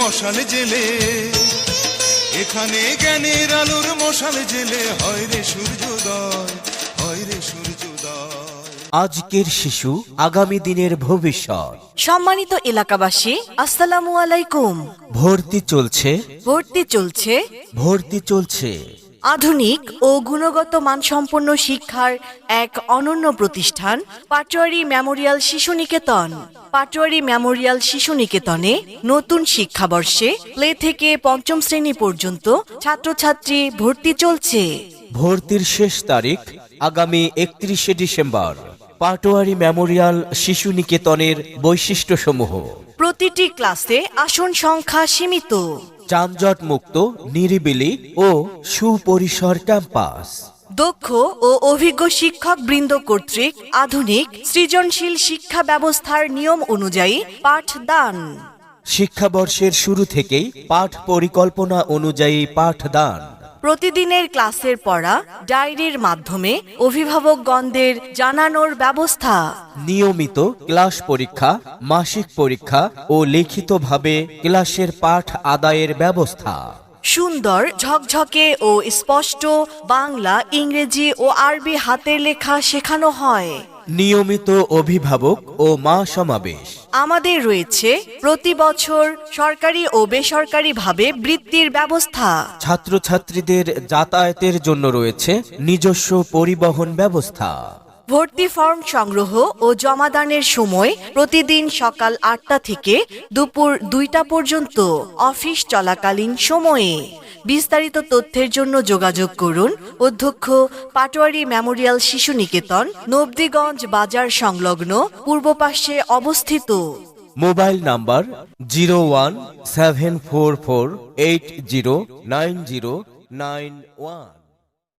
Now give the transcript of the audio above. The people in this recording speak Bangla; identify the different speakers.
Speaker 1: মশাল জেলে, এখানে জ্ঞানের আলোর মশাল জেলে হয় রে সূর্যোদয়, হয় রে সূর্যোদয়।
Speaker 2: আজকের শিশু আগামী দিনের ভবিষ্যৎ।
Speaker 3: সম্মানিত এলাকাবাসী, আসসালামু আলাইকুম।
Speaker 2: ভর্তি চলছে,
Speaker 3: ভর্তি চলছে
Speaker 2: ভর্তি চলছে।
Speaker 3: আধুনিক ও গুণগত মানসম্পন্ন শিক্ষার এক অনন্য প্রতিষ্ঠান পাটোয়ারী মেমোরিয়াল শিশু নিকেতন। পাটোয়ারী মেমোরিয়াল শিশু নিকেতনে নতুন শিক্ষাবর্ষে প্লে থেকে পঞ্চম শ্রেণী পর্যন্ত ছাত্রছাত্রী ভর্তি চলছে।
Speaker 2: ভর্তির শেষ তারিখ আগামী 31শে ডিসেম্বর। পাটোয়ারী মেমোরিয়াল শিশু নিকেতনের বৈশিষ্ট্যসমূহ:
Speaker 3: প্রতিটি ক্লাসে আসন সংখ্যা সীমিত,
Speaker 2: যানজট মুক্ত, নিরিবিলি ও সুপরিসর ক্যাম্পাস,
Speaker 3: দক্ষ ও অভিজ্ঞ শিক্ষক বৃন্দ কর্তৃক আধুনিক সৃজনশীল শিক্ষা ব্যবস্থার নিয়ম অনুযায়ী পাঠদান।
Speaker 2: শিক্ষাবর্ষের শুরু থেকেই পাঠ পরিকল্পনা অনুযায়ী পাঠদান।
Speaker 3: প্রতিদিনের ক্লাসের পড়া ডায়েরির মাধ্যমে অভিভাবকগণদের জানানোর ব্যবস্থা।
Speaker 2: নিয়মিত ক্লাস পরীক্ষা, মাসিক পরীক্ষা ও লিখিতভাবে ক্লাসের পাঠ আদায়ের ব্যবস্থা।
Speaker 3: সুন্দর ঝকঝকে ও স্পষ্ট বাংলা, ইংরেজি ও আরবি হাতের লেখা শেখানো হয়।
Speaker 2: নিয়মিত অভিভাবক ও মা সমাবেশ।
Speaker 3: আমাদের রয়েছে প্রতি বছর সরকারি ও বেসরকারিভাবে বৃত্তির ব্যবস্থা।
Speaker 2: ছাত্রছাত্রীদের যাতায়াতের জন্য রয়েছে নিজস্ব পরিবহন ব্যবস্থা।
Speaker 3: ভর্তি ফর্ম সংগ্রহ ও জমাদানের সময় প্রতিদিন সকাল 8টা থেকে দুপুর 2টা পর্যন্ত অফিস চলাকালীন সময়ে। বিস্তারিত তথ্যের জন্য যোগাযোগ করুন অধ্যক্ষ, পাটোয়ারী মেমোরিয়াল শিশু নিকেতন, নবদিগঞ্জ বাজার সংলগ্ন, পূর্ব পাশে অবস্থিত।
Speaker 2: Mobile number 017448090991।